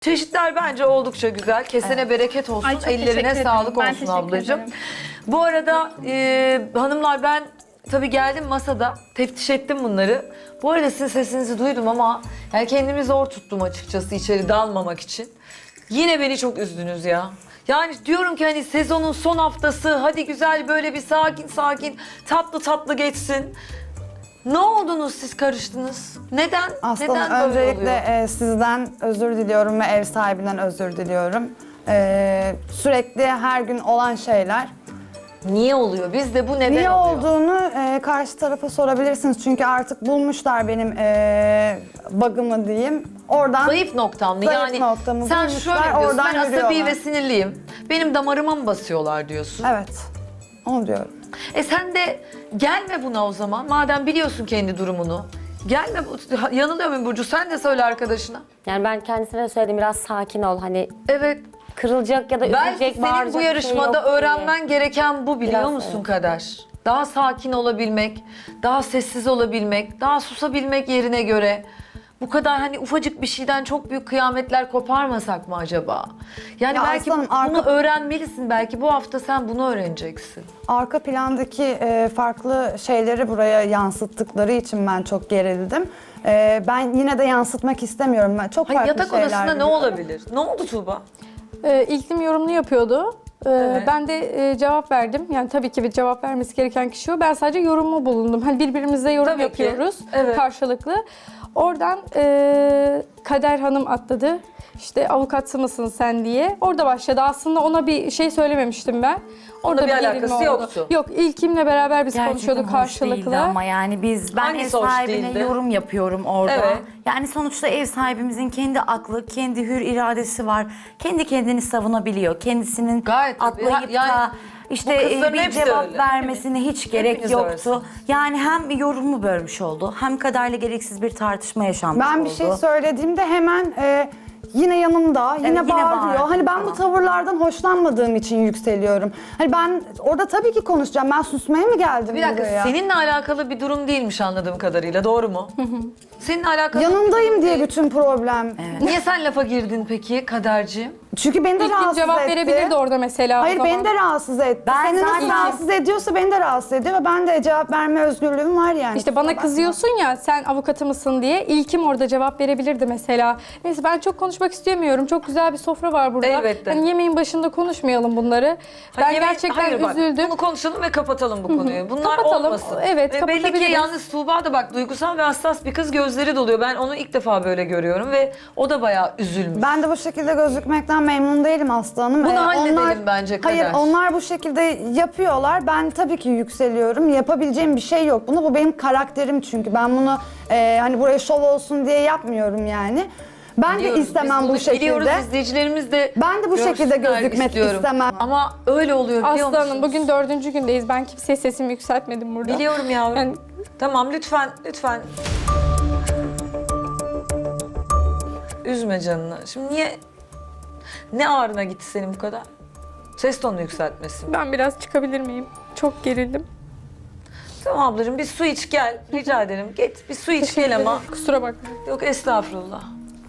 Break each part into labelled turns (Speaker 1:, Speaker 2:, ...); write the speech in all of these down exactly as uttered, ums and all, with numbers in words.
Speaker 1: Çeşitler bence oldukça güzel. Kesene bereket olsun.
Speaker 2: Ay, çok
Speaker 1: Ellerine
Speaker 2: teşekkür
Speaker 1: sağlık
Speaker 2: ederim. Ben
Speaker 1: olsun
Speaker 2: teşekkür
Speaker 1: ablacığım.
Speaker 2: ederim.
Speaker 1: Bu arada e, hanımlar ben tabii geldim masada. Teftiş ettim bunları. Bu arada sizin sesinizi duydum ama yani kendimi zor tuttum açıkçası içeri dalmamak için. Yine beni çok üzdünüz ya. Yani diyorum ki hani sezonun son haftası hadi güzel böyle bir sakin sakin tatlı tatlı geçsin. Ne oldunuz siz karıştınız? Neden?
Speaker 3: Aslanım
Speaker 1: Neden böyle
Speaker 3: öncelikle
Speaker 1: oluyor?
Speaker 3: e, sizden özür diliyorum ve ev sahibinden özür diliyorum. E, sürekli her gün olan şeyler.
Speaker 1: Niye oluyor? Bizde bu neden
Speaker 3: Niye
Speaker 1: oluyor?
Speaker 3: olduğunu e, karşı tarafa sorabilirsiniz. Çünkü artık bulmuşlar benim e, bug'ımı diyeyim. Oradan
Speaker 1: Zayıf noktam mı?
Speaker 3: Zayıf
Speaker 1: Yani
Speaker 3: noktamı
Speaker 1: sen
Speaker 3: bulmuşlar,
Speaker 1: şöyle diyorsun,
Speaker 3: oradan
Speaker 1: ben asabi
Speaker 3: yürüyorlar.
Speaker 1: ve sinirliyim. Benim damarıma mı basıyorlar diyorsun?
Speaker 3: Evet, onu diyorum.
Speaker 1: E sen de gelme buna o zaman. Madem biliyorsun kendi durumunu. Gelme, bu- yanılıyor muyum Burcu? Sen de söyle arkadaşına.
Speaker 4: Yani ben kendisine de söyledim biraz sakin ol hani
Speaker 1: Evet.
Speaker 4: kırılacak ya da
Speaker 1: Belki
Speaker 4: üzülecek,
Speaker 1: senin
Speaker 4: bağıracak
Speaker 1: bu
Speaker 4: bir şey
Speaker 1: yarışmada
Speaker 4: yok diye.
Speaker 1: öğrenmen gereken bu biliyor
Speaker 4: Biraz,
Speaker 1: musun
Speaker 4: evet.
Speaker 1: Kader? Daha sakin olabilmek, daha sessiz olabilmek, daha susabilmek yerine göre bu kadar hani ufacık bir şeyden çok büyük kıyametler koparmasak mı acaba? Yani
Speaker 3: Ya
Speaker 1: belki
Speaker 3: aslanım,
Speaker 1: bunu
Speaker 3: arka-
Speaker 1: öğrenmelisin. Belki bu hafta sen bunu öğreneceksin.
Speaker 3: Arka plandaki e, farklı şeyleri buraya yansıttıkları için ben çok gerildim. E, ben yine de yansıtmak istemiyorum. Ben çok
Speaker 1: Hani
Speaker 3: farklı
Speaker 1: yatak
Speaker 3: şeyler
Speaker 1: odasında ne
Speaker 3: biliyorum.
Speaker 1: olabilir? Ne oldu Tuğba?
Speaker 5: Ee, iklim yorumunu yapıyordu. Ee,
Speaker 1: Evet.
Speaker 5: Ben de e, cevap verdim. Yani tabii ki bir cevap vermesi gereken kişi o. Ben sadece yorumumu bulundum. Hani birbirimize yorum
Speaker 1: Tabii ki.
Speaker 5: yapıyoruz
Speaker 1: Evet.
Speaker 5: karşılıklı. Oradan e, Kader Hanım atladı. İşte avukatı mısın sen diye. Orada başladı. Aslında ona bir şey söylememiştim ben. Orada
Speaker 1: bir
Speaker 5: gerilme
Speaker 1: alakası
Speaker 5: oldu.
Speaker 1: yoktu.
Speaker 5: Yok, İlkim'le beraber biz
Speaker 6: Gerçekten
Speaker 5: konuşuyorduk
Speaker 6: hoş
Speaker 5: karşılıklı.
Speaker 6: değildi ama yani biz ben
Speaker 1: Hangisi
Speaker 6: ev
Speaker 1: hoş
Speaker 6: sahibine
Speaker 1: değildi?
Speaker 6: yorum yapıyorum orada.
Speaker 1: Evet.
Speaker 6: Yani sonuçta ev sahibimizin kendi aklı, kendi hür iradesi var. Kendi kendini savunabiliyor. Kendisinin
Speaker 1: Gayet tabii.
Speaker 6: atlayıp
Speaker 1: Yani
Speaker 6: da
Speaker 1: bu
Speaker 6: işte
Speaker 1: kızların
Speaker 6: bir
Speaker 1: hepsi
Speaker 6: cevap
Speaker 1: öyle.
Speaker 6: vermesine hiç gerek
Speaker 1: Hepiniz
Speaker 6: yoktu.
Speaker 1: öylesiniz.
Speaker 6: Yani hem yorumu bölmüş oldu, hem kaderle gereksiz bir tartışma yaşanmış
Speaker 3: Ben
Speaker 6: oldu.
Speaker 3: bir şey söylediğimde hemen e, yine yanımda, yine
Speaker 6: yine
Speaker 3: bağırıyor.
Speaker 6: bağırdı
Speaker 3: Hani ben bu
Speaker 6: falan.
Speaker 3: tavırlardan hoşlanmadığım için yükseliyorum. Hani ben orada tabii ki konuşacağım. Ben susmaya mı geldim
Speaker 1: Bir dakika,
Speaker 3: buraya?
Speaker 1: seninle alakalı bir durum değilmiş anladığım kadarıyla, doğru mu? Seninle alakalı...
Speaker 3: Yanındayım diye bütün problem.
Speaker 1: Niye sen lafa girdin peki Kaderciğim?
Speaker 3: Çünkü beni de
Speaker 5: İlkim
Speaker 3: rahatsız
Speaker 5: cevap
Speaker 3: etti.
Speaker 5: verebilirdi orada mesela. o
Speaker 3: Hayır
Speaker 5: zaman.
Speaker 3: beni de rahatsız etti.
Speaker 6: Ben
Speaker 3: Seni nasıl
Speaker 6: zaten-
Speaker 3: rahatsız ediyorsa beni de rahatsız ediyor ve ben de cevap verme özgürlüğüm var yani.
Speaker 5: İşte bana
Speaker 3: Kusura bakma.
Speaker 5: kızıyorsun ya sen avukatı mısın diye. İlkim orada cevap verebilirdi mesela. Neyse ben çok konuşmak istemiyorum. Çok güzel bir sofra var burada.
Speaker 1: Elbette.
Speaker 5: Hani yemeğin başında konuşmayalım bunları. Ben
Speaker 1: Hani yemek-
Speaker 5: gerçekten
Speaker 1: hayır bak,
Speaker 5: üzüldüm.
Speaker 1: Bunu konuşalım ve kapatalım bu konuyu. Bunlar
Speaker 5: Kapatalım.
Speaker 1: olmasın.
Speaker 5: Evet,
Speaker 1: Ve belli ki
Speaker 5: kapatabiliriz.
Speaker 1: yalnız Tuğba da bak duygusal ve hassas bir kız, gözleri doluyor. Ben onu ilk defa böyle görüyorum ve o da bayağı üzülmüş.
Speaker 3: Ben de bu şekilde gözükmekten memnun değilim Aslı Hanım.
Speaker 1: Bunu
Speaker 3: Ee,
Speaker 1: halledelim bence Kader.
Speaker 3: Hayır onlar bu şekilde yapıyorlar. Ben tabii ki yükseliyorum. Yapabileceğim bir şey yok. Bunu bu benim karakterim çünkü. Ben bunu e, hani buraya şov olsun diye yapmıyorum yani. Ben
Speaker 1: Biliyoruz,
Speaker 3: de istemem
Speaker 1: biz
Speaker 3: bu
Speaker 1: bunu
Speaker 3: şekilde.
Speaker 1: Biliyoruz, izleyicilerimiz de
Speaker 3: Ben de bu şekilde
Speaker 1: görsünler
Speaker 3: gözükmek
Speaker 1: istiyorum.
Speaker 3: istemem.
Speaker 1: Ama öyle oluyor biliyor
Speaker 5: Aslı
Speaker 1: musunuz?
Speaker 5: Hanım bugün dördüncü gündeyiz. Ben kimseye sesimi yükseltmedim burada.
Speaker 1: Biliyorum yavrum.
Speaker 5: Yani
Speaker 1: Tamam lütfen, lütfen. Üzme canını. Şimdi niye... Ne ağrına gitti senin bu kadar? Ses tonunu yükseltmesin.
Speaker 5: ben biraz çıkabilir miyim? Çok gerildim.
Speaker 1: Tamam ablacığım bir su iç gel. Rica ederim. Git bir su iç gel ama.
Speaker 5: Kusura bakmayın.
Speaker 1: Yok estağfurullah.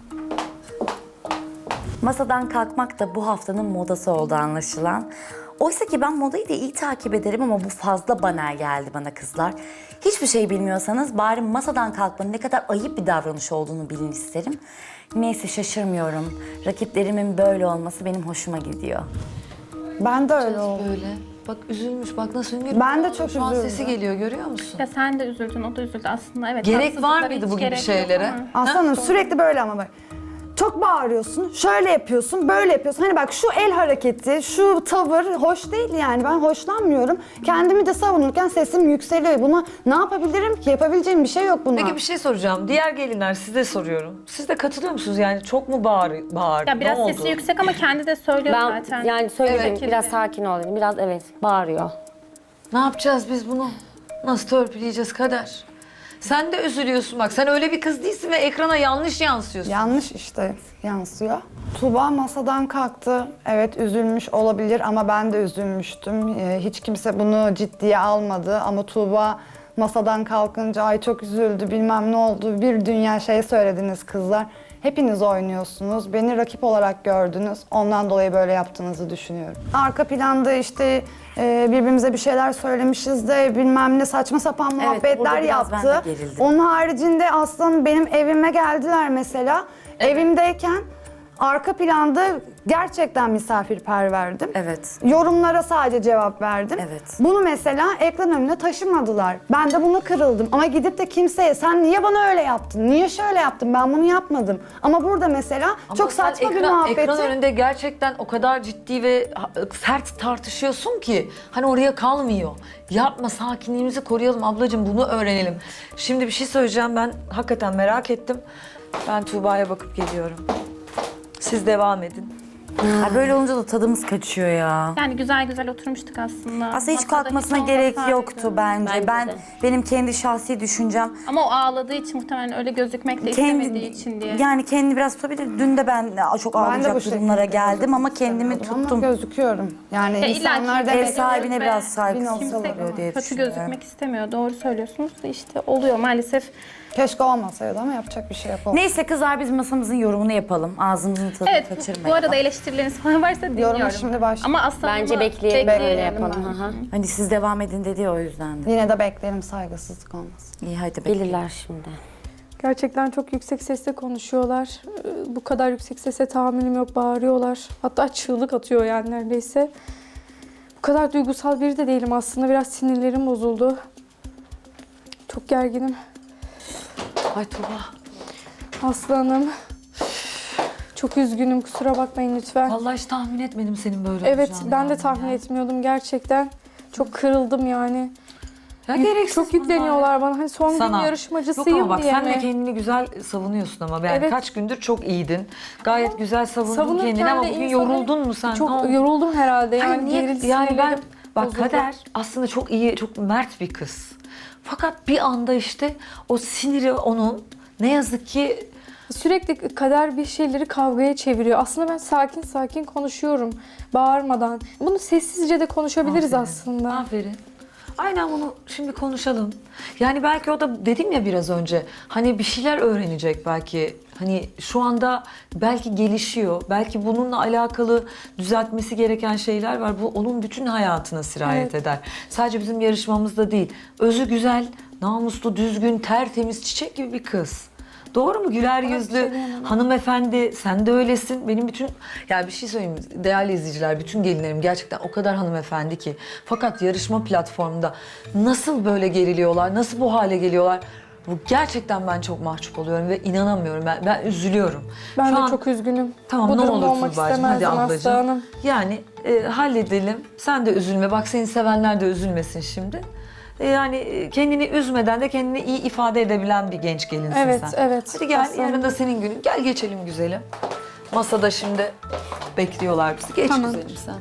Speaker 6: Masadan kalkmak da bu haftanın modası oldu anlaşılan. Oysa ki ben modayı da iyi takip ederim ama bu fazla banal geldi bana kızlar. Hiçbir şey bilmiyorsanız bari masadan kalkmanın ne kadar ayıp bir davranış olduğunu bilin isterim. Neyse şaşırmıyorum. Rakiplerimin böyle olması benim hoşuma gidiyor.
Speaker 3: Ben de öyle oldum.
Speaker 1: Böyle. Bak üzülmüş. Bak nasıl hüngür.
Speaker 3: Ben de çok
Speaker 1: Şu an
Speaker 3: üzüldüm.
Speaker 1: sesi geliyor görüyor musun?
Speaker 2: Ya sen de üzüldün, o da üzüldü aslında. Evet.
Speaker 1: Gerek var
Speaker 2: haksızlıklara
Speaker 1: mıydı
Speaker 2: hiç
Speaker 1: bu gibi
Speaker 2: gerek yok
Speaker 1: şeylere?
Speaker 2: ama.
Speaker 3: Aslanım sürekli böyle ama bak. Çok bağırıyorsun, şöyle yapıyorsun, böyle yapıyorsun. Hani bak şu el hareketi, şu tavır hoş değil yani. Ben hoşlanmıyorum. Kendimi de savunurken sesim yükseliyor. Bunu ne yapabilirim ki? Yapabileceğim bir şey yok buna.
Speaker 1: Peki bir şey soracağım. Diğer gelinler size soruyorum. Siz de katılıyor musunuz? Yani çok mu bağır, bağırdı?
Speaker 2: Ya biraz
Speaker 1: ne
Speaker 2: sesi
Speaker 1: oldu?
Speaker 2: yüksek ama kendi de söylüyor
Speaker 4: Ben
Speaker 2: zaten.
Speaker 4: yani söyledim
Speaker 1: Evet.
Speaker 4: biraz sakin ol dedim. Biraz evet bağırıyor.
Speaker 1: Ne yapacağız biz bunu? Nasıl törpüleyeceğiz Kader? Sen de üzülüyorsun bak. Sen öyle bir kız değilsin ve ekrana yanlış yansıyorsun.
Speaker 3: Yanlış işte yansıyor. Tuğba masadan kalktı. Evet üzülmüş olabilir ama ben de üzülmüştüm. Ee, hiç kimse bunu ciddiye almadı ama Tuğba masadan kalkınca ay çok üzüldü bilmem ne oldu. Bir dünya şey söylediniz kızlar. Hepiniz oynuyorsunuz. Beni rakip olarak gördünüz. Ondan dolayı böyle yaptığınızı düşünüyorum. Arka planda işte e, birbirimize bir şeyler söylemişiz de bilmem ne saçma sapan muhabbetler
Speaker 6: orada biraz ben de
Speaker 3: yaptı.
Speaker 6: gerildim.
Speaker 3: Onun haricinde aslanım benim evime geldiler mesela. Evimdeyken arka planda gerçekten misafirperverdim.
Speaker 6: Evet.
Speaker 3: Yorumlara sadece cevap verdim.
Speaker 6: Evet.
Speaker 3: Bunu mesela ekran önüne taşımadılar. Ben de buna kırıldım. Ama gidip de kimseye sen niye bana öyle yaptın? Niye şöyle yaptın? Ben bunu yapmadım. Ama burada mesela
Speaker 1: Ama
Speaker 3: çok
Speaker 1: sen
Speaker 3: saçma bir
Speaker 1: ekran,
Speaker 3: muhabbeti.
Speaker 1: Ekran önünde gerçekten o kadar ciddi ve ha- sert tartışıyorsun ki hani oraya kalmıyor. Yapma, sakinliğimizi koruyalım ablacığım, bunu öğrenelim. Şimdi bir şey söyleyeceğim, ben hakikaten merak ettim. Ben Tuğba'ya bakıp geliyorum. Siz devam edin.
Speaker 6: Ha, böyle olunca da tadımız kaçıyor ya.
Speaker 2: Yani güzel güzel oturmuştuk aslında.
Speaker 6: Aslında hiç
Speaker 2: Masada
Speaker 6: kalkmasına
Speaker 2: hiç
Speaker 6: gerek
Speaker 2: olmasaydı.
Speaker 6: yoktu bence.
Speaker 4: Bence
Speaker 6: ben
Speaker 4: de.
Speaker 6: benim kendi şahsi düşüncem
Speaker 2: Ama o ağladığı için muhtemelen öyle gözükmek de istemediği için diye.
Speaker 6: yani kendi biraz tutabilir. Dün de ben çok
Speaker 3: Ben de bu
Speaker 6: ağlayacak
Speaker 3: şekilde
Speaker 6: durumlara geldim ama
Speaker 3: gözükmek
Speaker 6: kendimi
Speaker 3: istemiyordum
Speaker 6: tuttum.
Speaker 3: Ama gözüküyorum. Yani
Speaker 2: Ya illa
Speaker 3: insanlar
Speaker 2: ki
Speaker 3: demek
Speaker 6: Ev sahibine
Speaker 2: Ve
Speaker 6: biraz saygısız
Speaker 3: kimse
Speaker 6: oluyor diye
Speaker 2: Kötü
Speaker 6: düşünüyorum.
Speaker 2: gözükmek istemiyor. Doğru söylüyorsunuz da işte oluyor maalesef.
Speaker 3: keşke olmasaydı ama yapacak bir şey yok.
Speaker 6: Neyse kızlar, biz masamızın yorumunu yapalım. Ağzımızın tadını
Speaker 2: Evet bu,
Speaker 6: kaçırmayalım.
Speaker 2: bu arada eleştirileriniz falan varsa dinliyorum.
Speaker 3: Yorumu şimdi başla.
Speaker 2: Ama aslında
Speaker 4: Bence
Speaker 2: bunu
Speaker 4: bekleyelim, öyle
Speaker 2: bekleyelim.
Speaker 4: yapalım. Hı hı.
Speaker 6: Hani siz devam edin dedi ya, o yüzden de.
Speaker 3: Yine de beklerim saygısızlık olmasın.
Speaker 6: İyi, hadi bekleyin.
Speaker 4: Gelirler şimdi.
Speaker 5: Gerçekten çok yüksek sesle konuşuyorlar. Ee, Bu kadar yüksek sese tahammülüm yok, bağırıyorlar. Hatta çığlık atıyor yani neredeyse. Bu kadar duygusal biri de değilim aslında. Biraz sinirlerim bozuldu. Çok gerginim.
Speaker 1: Ay Tuğba.
Speaker 5: Aslanım. Çok üzgünüm, kusura bakmayın lütfen.
Speaker 1: Vallahi hiç tahmin etmedim senin böyle
Speaker 5: Evet,
Speaker 1: olacağını
Speaker 5: ben de
Speaker 1: yani
Speaker 5: tahmin
Speaker 1: ya.
Speaker 5: etmiyordum gerçekten. Çok kırıldım yani.
Speaker 1: Ya
Speaker 5: Yük-
Speaker 1: gereksiz
Speaker 5: çok
Speaker 1: bunlar.
Speaker 5: yükleniyorlar bana. Hani son
Speaker 1: Sana.
Speaker 5: gün
Speaker 1: Yok
Speaker 5: yarışmacısıyım
Speaker 1: ama bak
Speaker 5: diye
Speaker 1: sen de
Speaker 5: mi?
Speaker 1: kendini güzel savunuyorsun ama. Yani
Speaker 5: Evet.
Speaker 1: kaç gündür çok iyiydin. Gayet güzel savundun
Speaker 5: Savunurken
Speaker 1: kendini ama
Speaker 5: de
Speaker 1: bugün
Speaker 5: insanı-
Speaker 1: yoruldun mu sen? Ne oldu?
Speaker 5: Çok yoruldum herhalde
Speaker 1: Hayır,
Speaker 5: yani.
Speaker 1: niye-
Speaker 5: gerildi,
Speaker 1: yani ben
Speaker 5: sinirlerim
Speaker 1: bak
Speaker 5: bozuldu.
Speaker 1: Kader aslında çok iyi, çok mert bir kız. Fakat bir anda işte o siniri onun ne yazık ki
Speaker 5: Sürekli kader bir şeyleri kavgaya çeviriyor. Aslında ben sakin sakin konuşuyorum. Bağırmadan. Bunu sessizce de konuşabiliriz
Speaker 1: Aferin.
Speaker 5: aslında.
Speaker 1: Aferin. Aynen bunu şimdi konuşalım. Yani belki o da dedim ya biraz önce hani bir şeyler öğrenecek belki. Hani şu anda belki gelişiyor. Belki bununla alakalı düzeltmesi gereken şeyler var. Bu onun bütün hayatına sirayet
Speaker 5: Evet.
Speaker 1: eder. Sadece bizim yarışmamızda değil. Özü güzel, namuslu, düzgün, tertemiz, çiçek gibi bir kız. Doğru mu? Güler yüzlü, hanımefendi, sen de öylesin. Benim bütün, yani bir şey söyleyeyim mi? Değerli izleyiciler, bütün gelinlerim gerçekten o kadar hanımefendi ki. Fakat yarışma platformunda nasıl böyle geriliyorlar, nasıl bu hale geliyorlar? Bu gerçekten ben çok mahcup oluyorum ve inanamıyorum. Ben, ben üzülüyorum.
Speaker 5: Ben
Speaker 1: Şu
Speaker 5: de
Speaker 1: an-
Speaker 5: çok üzgünüm.
Speaker 1: Tamam
Speaker 5: Bu
Speaker 1: ne
Speaker 5: durumda
Speaker 1: olur
Speaker 5: olmak
Speaker 1: Tuğba'cığım, hadi
Speaker 5: istemezdim
Speaker 1: ablacığım.
Speaker 5: aslanım.
Speaker 1: Yani e, halledelim. Sen de üzülme. Bak seni sevenler de üzülmesin şimdi. E, yani e, kendini üzmeden de kendini iyi ifade edebilen bir genç gelinsin
Speaker 5: Evet,
Speaker 1: sen.
Speaker 5: evet.
Speaker 1: Hadi gel,
Speaker 5: Aslanım.
Speaker 1: yarın da senin günün. Gel geçelim güzelim. Masada şimdi bekliyorlar bizi. Geç
Speaker 5: Tamam.
Speaker 1: güzelim sen.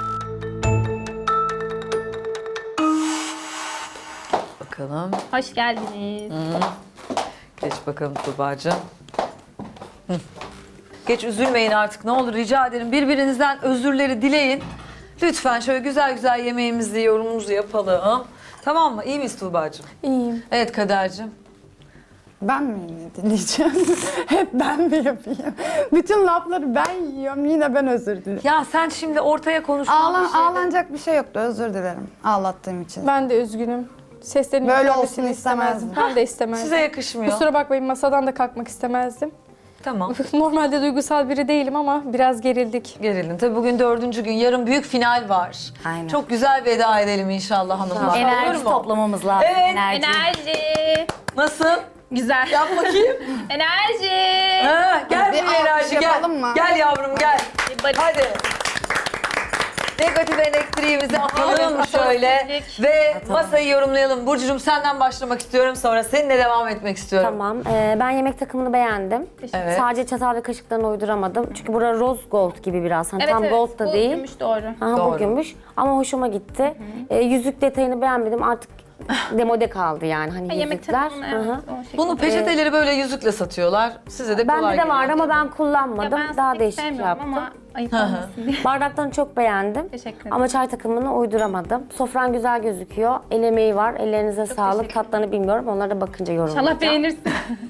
Speaker 1: Bakalım.
Speaker 2: Hoş geldiniz.
Speaker 1: Geç bakalım Tuğba'cığım. Hı. Geç, üzülmeyin artık, ne olur rica ederim. Birbirinizden özürleri dileyin. Lütfen şöyle güzel güzel yemeğimizi, yorumumuzu yapalım. Tamam mı? İyi miyiz Tuğba'cığım?
Speaker 5: İyiyim.
Speaker 1: Evet Kader'cığım.
Speaker 3: Ben mi yine dinleyeceğim? Hep ben mi yapayım? Bütün lafları ben yiyorum. Yine ben özür dilerim.
Speaker 1: Ya sen şimdi ortaya konuştuğun
Speaker 3: Ağlan,
Speaker 1: bir şeyde-
Speaker 3: ağlanacak bir şey yoktu. Özür dilerim ağlattığım için.
Speaker 5: Ben de üzgünüm. Seslerin
Speaker 3: Böyle
Speaker 5: yükselmesini
Speaker 3: olsun istemezdim.
Speaker 5: Ben de istemezdim.
Speaker 1: Size yakışmıyor.
Speaker 5: Kusura bakmayın, masadan da kalkmak istemezdim.
Speaker 1: Tamam.
Speaker 5: Normalde duygusal biri değilim ama biraz gerildik.
Speaker 1: Gerildin. Tabii bugün dördüncü gün. Yarın büyük final var.
Speaker 6: Aynen.
Speaker 1: Çok güzel veda edelim inşallah hanımlar.
Speaker 6: Enerji
Speaker 1: Olur mu?
Speaker 6: toplamamız lazım.
Speaker 1: Evet.
Speaker 6: Enerji.
Speaker 2: Enerji.
Speaker 1: Nasıl?
Speaker 2: Güzel.
Speaker 1: Yap bakayım.
Speaker 2: Enerji.
Speaker 1: Ha, gel
Speaker 3: Bir
Speaker 1: bir enerji
Speaker 3: alkış
Speaker 1: gel.
Speaker 3: yapalım mı?
Speaker 1: Gel yavrum gel.
Speaker 2: Hadi.
Speaker 1: Hadi. Negatif elektriğimizi atalım
Speaker 2: Atalım,
Speaker 1: şöyle
Speaker 2: atalım.
Speaker 1: ve masayı yorumlayalım. Burcucuğum senden başlamak istiyorum, sonra seninle devam etmek istiyorum.
Speaker 4: Tamam. Ee, ben yemek takımını beğendim.
Speaker 1: Evet.
Speaker 4: Sadece çatal ve kaşıklarını uyduramadım. Çünkü bura rose gold gibi biraz. Hani
Speaker 2: Evet,
Speaker 4: tam
Speaker 2: evet.
Speaker 4: gold da
Speaker 2: Bu
Speaker 4: değil.
Speaker 2: gümüş doğru.
Speaker 4: Aha,
Speaker 1: Doğru.
Speaker 4: bu gümüş. Ama hoşuma gitti. Ee, yüzük detayını beğenmedim. Artık demode kaldı yani. Hani
Speaker 2: Ha, yemek
Speaker 4: yüzükler.
Speaker 2: takımını
Speaker 4: Hı hı.
Speaker 2: evet. o şekilde.
Speaker 1: Bunu peçeteleri böyle yüzükle satıyorlar. Size de kolay
Speaker 4: Bende de vardı
Speaker 1: geliyor.
Speaker 4: ama ben
Speaker 2: Ya
Speaker 4: kullanmadım.
Speaker 2: ben
Speaker 4: Daha
Speaker 2: pek
Speaker 4: değişik
Speaker 2: sevmiyorum
Speaker 4: yaptım.
Speaker 2: ama ayıp
Speaker 1: Hı hı.
Speaker 2: olmasın diye.
Speaker 4: Bardaklarını çok beğendim.
Speaker 2: Teşekkür ederim.
Speaker 4: Ama çay takımını uyduramadım. Sofran güzel gözüküyor. El emeği var. Ellerinize sağlık.
Speaker 2: teşekkür ederim.
Speaker 4: Tatlarını bilmiyorum. Onlara da bakınca yorumlayacağım.
Speaker 2: İnşallah beğenirsin.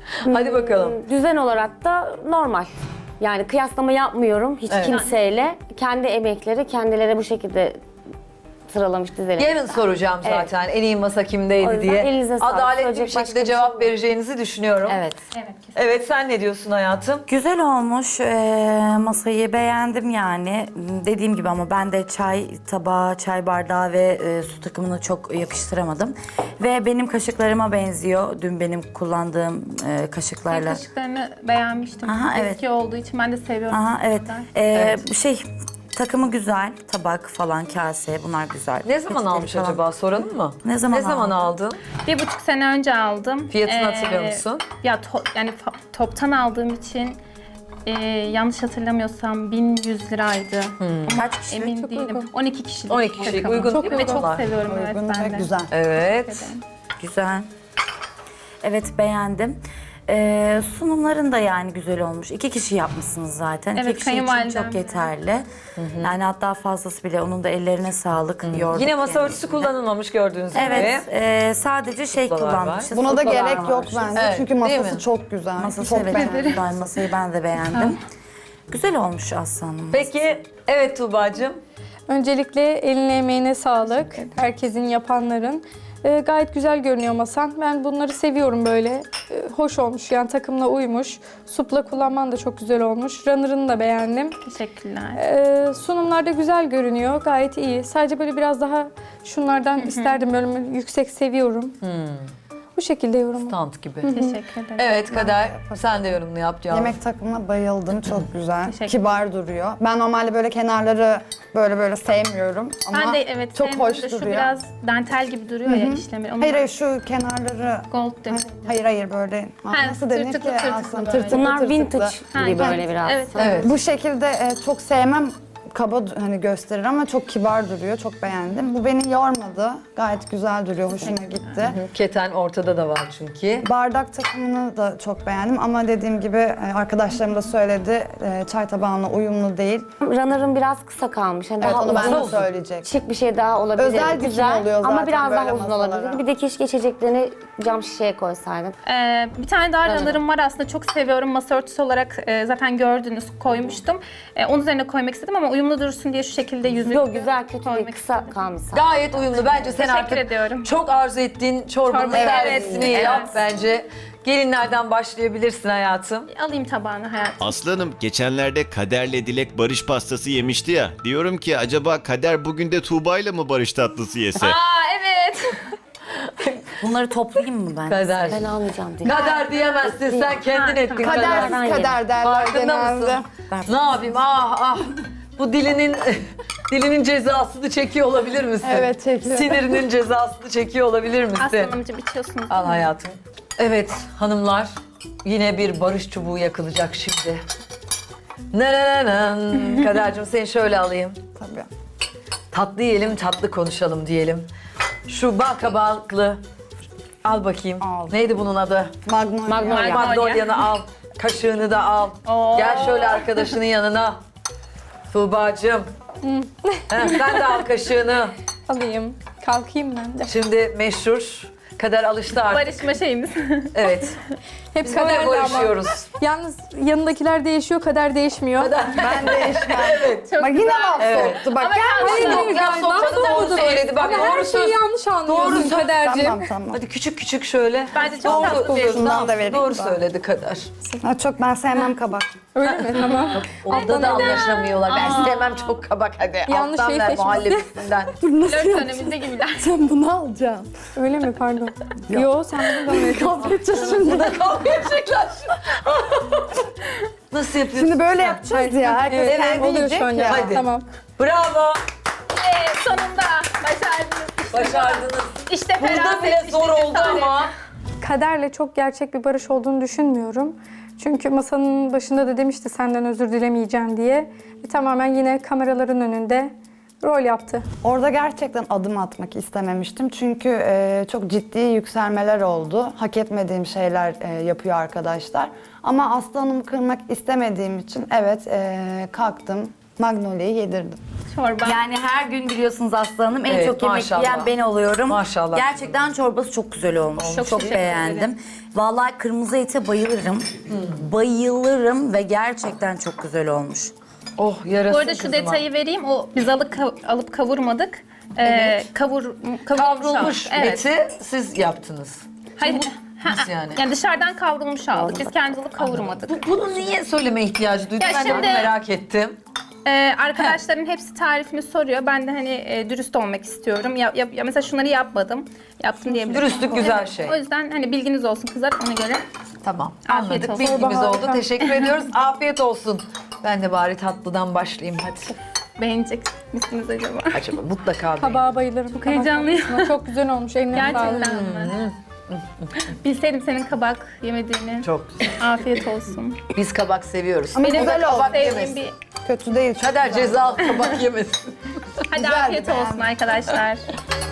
Speaker 1: Hadi bakalım.
Speaker 4: Düzen olarak da normal. Yani kıyaslama yapmıyorum hiç
Speaker 1: Evet.
Speaker 4: kimseyle. Kendi emekleri kendileri bu şekilde sıralamış, dizelemiş.
Speaker 1: Yarın soracağım zaten en iyi masa
Speaker 4: O
Speaker 1: kimdeydi
Speaker 4: yüzden
Speaker 1: diye.
Speaker 4: elinize sağlık.
Speaker 1: Adaletli bir
Speaker 4: Söyleyecek başka
Speaker 1: şekilde
Speaker 4: bir şey
Speaker 1: cevap
Speaker 4: yok.
Speaker 1: vereceğinizi düşünüyorum.
Speaker 6: Evet.
Speaker 2: Evet, kesin.
Speaker 1: Evet, sen ne diyorsun hayatım?
Speaker 6: Güzel olmuş. Ee, masayı beğendim yani. Dediğim gibi ama ben de çay tabağı, çay bardağı ve e, su takımını çok yakıştıramadım. Ve benim kaşıklarıma benziyor. Dün benim kullandığım e,
Speaker 2: Ben
Speaker 6: kaşıklarla.
Speaker 2: kaşıklarını beğenmiştim.
Speaker 6: Aha, evet.
Speaker 2: Eski olduğu için ben de seviyorum.
Speaker 6: Aha evet.
Speaker 2: Kaşıklar.
Speaker 6: Ee, Şey takımı güzel. Tabak falan, kase bunlar güzel.
Speaker 1: Ne zaman
Speaker 6: Peçeteli
Speaker 1: almış
Speaker 6: falan.
Speaker 1: acaba soralım mı?
Speaker 6: Ne zaman
Speaker 1: Ne zaman
Speaker 6: aldın?
Speaker 1: aldın?
Speaker 2: Bir buçuk sene önce aldım.
Speaker 1: Fiyatını
Speaker 2: Ee,
Speaker 1: hatırlıyor musun?
Speaker 2: Ya to- yani fa- toptan aldığım için e, yanlış hatırlamıyorsam bin yüz liraydı.
Speaker 6: Kaç kişi?
Speaker 2: Emin
Speaker 5: Çok
Speaker 2: değilim.
Speaker 5: uygun.
Speaker 2: on iki kişilik.
Speaker 1: on iki kişilik
Speaker 2: takım.
Speaker 1: uygun
Speaker 2: Çok
Speaker 1: değil mi
Speaker 2: Ve çok
Speaker 1: bunlar?
Speaker 2: seviyorum evet
Speaker 3: Uygun
Speaker 2: ben
Speaker 3: ve
Speaker 2: de.
Speaker 3: güzel.
Speaker 1: Evet.
Speaker 6: Güzel. Evet beğendim. Ee, sunumların da yani güzel olmuş. İki kişi yapmışsınız zaten.
Speaker 2: Evet,
Speaker 6: İki kişi için
Speaker 2: kayınvalidem
Speaker 6: çok
Speaker 2: de.
Speaker 6: yeterli. Yani hatta fazlası bile. Onun da ellerine sağlık. Yorduk
Speaker 1: Yine masa
Speaker 6: kendisini.
Speaker 1: örtüsü kullanılmamış gördüğünüz gibi.
Speaker 6: Evet. e, sadece şey
Speaker 1: Suplalar var.
Speaker 6: kullanmışız.
Speaker 3: Buna da
Speaker 6: suplalar
Speaker 3: gerek
Speaker 6: var.
Speaker 3: yok bence.
Speaker 1: Evet,
Speaker 3: Çünkü
Speaker 1: değil
Speaker 3: masası
Speaker 1: mi?
Speaker 3: çok güzel.
Speaker 6: Masası
Speaker 3: çok
Speaker 6: evet
Speaker 3: beğendim.
Speaker 6: güzel. Masayı ben de beğendim. Güzel olmuş Aslanım.
Speaker 1: Peki, evet Tuğba'cığım.
Speaker 5: Öncelikle eline emeğine sağlık. Herkesin yapanların. Ee, gayet güzel görünüyor masan. Ben bunları seviyorum böyle. Ee, hoş olmuş yani takımla uymuş. Supla kullanman da çok güzel olmuş. Runner'ını da beğendim.
Speaker 2: Teşekkürler.
Speaker 5: Ee, sunumlar da güzel görünüyor. Gayet iyi. Sadece böyle biraz daha şunlardan isterdim. Böyle yüksek seviyorum. Bu şekilde yorum.
Speaker 1: Stand gibi.
Speaker 2: Teşekkür ederim.
Speaker 1: Evet Kader, sen de yorumunu yap canım.
Speaker 3: Yemek takımına bayıldım. Çok güzel.
Speaker 2: Teşekkür
Speaker 3: Kibar duruyor. Ben normalde böyle kenarları böyle böyle sevmiyorum. Ama
Speaker 2: Ben de evet
Speaker 3: çok
Speaker 2: sevmiyorum
Speaker 3: hoş
Speaker 2: da
Speaker 3: duruyor.
Speaker 2: Şu biraz dantel gibi duruyor ya işlemi. Onu
Speaker 3: Hayır hayır şu kenarları
Speaker 2: gold demiş.
Speaker 3: hayır hayır böyle nasıl denir ki
Speaker 2: tırtıklı tırtıklı
Speaker 3: aslında
Speaker 2: böyle.
Speaker 3: tırtıklı
Speaker 4: Bunlar
Speaker 3: tırtıklı.
Speaker 4: vintage gibi
Speaker 2: Ha,
Speaker 4: böyle biraz.
Speaker 2: Evet.
Speaker 1: Evet.
Speaker 3: Bu şekilde e, çok sevmem kaba du- hani gösterir ama çok kibar duruyor. Çok beğendim. Bu beni yormadı. Gayet güzel duruyor. Hoşuma gitti.
Speaker 1: Keten ortada da var çünkü.
Speaker 3: Bardak takımını da çok beğendim ama dediğim gibi e, arkadaşlarım da söyledi e, çay tabağına uyumlu değil.
Speaker 4: Runner'ın biraz kısa kalmış. Yani
Speaker 3: Evet
Speaker 4: daha
Speaker 3: onu ben de
Speaker 4: uzun,
Speaker 3: söyleyecek.
Speaker 4: şık bir şey daha olabilir.
Speaker 3: Özel dikim
Speaker 4: güzel
Speaker 3: oluyor zaten
Speaker 4: ama biraz
Speaker 3: böyle
Speaker 4: daha uzun
Speaker 3: masalara.
Speaker 4: olabilir. Bir de keşke içeceklerini cam şişeye koysaydın.
Speaker 2: Ee, bir tane daha
Speaker 4: Evet.
Speaker 2: runner'ım var aslında çok seviyorum. Masa örtüsü olarak e, zaten gördünüz koymuştum. E, onun üzerine koymak istedim ama uyumlu dursun diye şu şekilde yüzük
Speaker 4: Yok güzel kötü değil,
Speaker 2: koymak
Speaker 4: kısa
Speaker 2: istedim.
Speaker 4: kalmış.
Speaker 1: Gayet uyumlu. Bence sen
Speaker 2: Teşekkür
Speaker 1: artık
Speaker 2: ediyorum.
Speaker 1: çok arzu ettiğin çorbanın
Speaker 2: Çorba,
Speaker 1: servisini
Speaker 2: evet,
Speaker 1: yap
Speaker 2: evet.
Speaker 1: bence. Gelinlerden başlayabilirsin hayatım.
Speaker 2: Alayım tabağını hayatım.
Speaker 7: Aslanım geçenlerde Kader'le Dilek barış pastası yemişti ya. Diyorum ki acaba Kader bugün de Tuğba'yla mı barış tatlısı yese?
Speaker 2: Aa evet.
Speaker 6: Bunları toplayayım mı ben?
Speaker 1: Kader.
Speaker 4: Ben almayacağım diye.
Speaker 1: Kader diyemezsin sen kendin
Speaker 2: Ha,
Speaker 1: ettin
Speaker 2: tamam.
Speaker 1: kader.
Speaker 3: Kadersiz kader derler
Speaker 1: Farkında
Speaker 3: genelde.
Speaker 1: mısın? Ne yapayım ah ah. Bu dilinin dilinin cezasını çekiyor olabilir misin?
Speaker 3: Evet, çekiyor.
Speaker 1: Sinirinin cezasını çekiyor olabilir misin?
Speaker 2: Aslanımcığım içiyorsunuz.
Speaker 1: Al hayatım. Evet hanımlar yine bir barış çubuğu yakılacak şimdi. Nerenenem. Kadercim seni şöyle alayım.
Speaker 3: Tabii.
Speaker 1: Tatlı yiyelim tatlı konuşalım diyelim. Şu bal kabaklı. Al bakayım.
Speaker 3: Al.
Speaker 1: Neydi bunun adı?
Speaker 3: Magnolia.
Speaker 4: Magnolia.
Speaker 1: Magnolia'nı al. Kaşığını da al.
Speaker 2: Oo.
Speaker 1: Gel şöyle arkadaşının yanına. Tuğba'cığım. Heh, sen de al kaşığını.
Speaker 5: Alayım. Kalkayım ben de.
Speaker 1: Şimdi meşhur. Kader alıştı artık.
Speaker 2: Barışma şeyimiz.
Speaker 1: Evet.
Speaker 5: Hep
Speaker 1: Biz böyle
Speaker 5: kaderle ama.
Speaker 1: barışıyoruz.
Speaker 5: Yalnız yanındakiler değişiyor, kader değişmiyor.
Speaker 3: Ben değişmem.
Speaker 1: Evet.
Speaker 2: Çok
Speaker 3: Bak yine laf
Speaker 1: Evet.
Speaker 3: soktu. Bak
Speaker 2: Ama
Speaker 3: gel
Speaker 2: ben-
Speaker 3: başına.
Speaker 1: Yok, laf
Speaker 5: Laf
Speaker 1: sokmadı, doğru
Speaker 5: sokmadı.
Speaker 1: söyledi. Bak,
Speaker 5: Ama
Speaker 1: doğru
Speaker 5: her
Speaker 1: söz.
Speaker 5: şeyi yanlış anlıyorsun
Speaker 1: Doğru söz.
Speaker 5: kaderciğim.
Speaker 3: Tamam tamam.
Speaker 1: Hadi küçük küçük şöyle.
Speaker 2: Bence çok tatlı bir
Speaker 3: Şundan da vereyim.
Speaker 1: Doğru
Speaker 3: ben.
Speaker 1: söyledi Kader.
Speaker 3: Ha, çok ben sevmem kabak.
Speaker 5: Öyle mi? Tamam.
Speaker 1: Orada da anlaşamıyorlar. Ben sevmem çok kabak hadi.
Speaker 5: Yanlış
Speaker 1: Alttan
Speaker 5: şey
Speaker 1: ver
Speaker 5: seçmişsin.
Speaker 1: muhallebisinden.
Speaker 2: flört döneminde gibiler.
Speaker 3: Sen bunu alacaksın.
Speaker 5: Öyle mi? Pardon. Yo sen bunu da öyle.
Speaker 3: Kavga edeceğiz şimdi.
Speaker 1: Kavga edecekler. Nasıl yapıyorsun?
Speaker 3: Şimdi böyle yapacağız ya. Herkes
Speaker 5: Evet,
Speaker 3: kendi
Speaker 5: oluyor
Speaker 3: yiyecek
Speaker 5: şu an
Speaker 3: ya.
Speaker 5: ya.
Speaker 1: Hadi.
Speaker 5: Tamam.
Speaker 1: Bravo.
Speaker 2: Ee, sonunda başardınız.
Speaker 1: Başardınız.
Speaker 2: İşte
Speaker 1: Burada
Speaker 2: feraset,
Speaker 1: bile
Speaker 2: işte
Speaker 1: zor oldu
Speaker 2: cesaret.
Speaker 1: ama.
Speaker 5: Kaderle çok gerçek bir barış olduğunu düşünmüyorum. Çünkü masanın başında da demişti senden özür dilemeyeceğim diye. Ve tamamen yine kameraların önünde rol yaptı.
Speaker 3: Orada gerçekten adım atmak istememiştim. Çünkü e, çok ciddi yükselmeler oldu. Hak etmediğim şeyler e, yapıyor arkadaşlar. Ama Aslı Hanım'ı kırmak istemediğim için evet e, kalktım. Magnolia'yı yedirdim.
Speaker 2: çorba.
Speaker 6: Yani her gün biliyorsunuz Aslı Hanım en
Speaker 1: Evet,
Speaker 6: çok yemek
Speaker 1: maşallah.
Speaker 6: yiyen ben oluyorum.
Speaker 1: Maşallah.
Speaker 6: Gerçekten çorbası çok güzel olmuş.
Speaker 2: Çok
Speaker 6: Çok,
Speaker 2: teşekkür
Speaker 6: beğendim. Vallahi kırmızı ete bayılırım. Bayılırım ve gerçekten çok güzel olmuş.
Speaker 1: Oh yarasın
Speaker 2: Bu arada şu
Speaker 1: kızıma.
Speaker 2: detayı vereyim. O biz alıp, alıp kavurmadık. Ee, kavur,
Speaker 1: Kavrulmuş
Speaker 2: aldık. Evet.
Speaker 1: eti siz yaptınız.
Speaker 2: Hayır. Ha,
Speaker 1: Nasıl yani?
Speaker 2: yani dışarıdan kavrulmuş aldık. Biz kendimiz alıp kavurmadık.
Speaker 1: Bu, bunu niye söyleme ihtiyacı duydun?
Speaker 2: Ya
Speaker 1: Ben de bunu
Speaker 2: şimdi-
Speaker 1: merak ettim.
Speaker 2: Ee, arkadaşlarım hepsi tarifini soruyor. Ben de hani e, dürüst olmak istiyorum. Ya, ya, ya mesela şunları yapmadım. Yaptım diyebilirim.
Speaker 1: Dürüstlük güzel
Speaker 2: Evet,
Speaker 1: şey.
Speaker 2: O yüzden hani bilginiz olsun kızlar ona göre.
Speaker 1: Tamam.
Speaker 2: Afiyet
Speaker 1: Anladık.
Speaker 2: olsun.
Speaker 1: Bilgimiz
Speaker 5: Çorba
Speaker 1: oldu.
Speaker 5: harika.
Speaker 1: Teşekkür ediyoruz. Afiyet olsun. Ben de bari tatlıdan başlayayım hadi.
Speaker 2: Beğenecek misiniz acaba?
Speaker 1: Acaba mutlaka bir.
Speaker 5: Kabağa bayılırım. Kabak
Speaker 2: heyecanlıyım.
Speaker 5: konusunda. Çok güzel olmuş. Eline sağlık.
Speaker 2: Gerçekten mi? Bilseydim senin kabak yemediğini.
Speaker 1: Çok güzel.
Speaker 2: Afiyet olsun.
Speaker 1: Biz kabak seviyoruz.
Speaker 3: Ama
Speaker 2: Benim
Speaker 3: güzel
Speaker 2: de
Speaker 3: oldu.
Speaker 1: kabak
Speaker 2: sevdiğim
Speaker 1: yemesin.
Speaker 2: bir...
Speaker 3: Kötü değil.
Speaker 1: Kader ceza kabak yemesin.
Speaker 2: Hadi
Speaker 3: Güzeldi,
Speaker 2: afiyet olsun
Speaker 3: beğendim.
Speaker 2: arkadaşlar.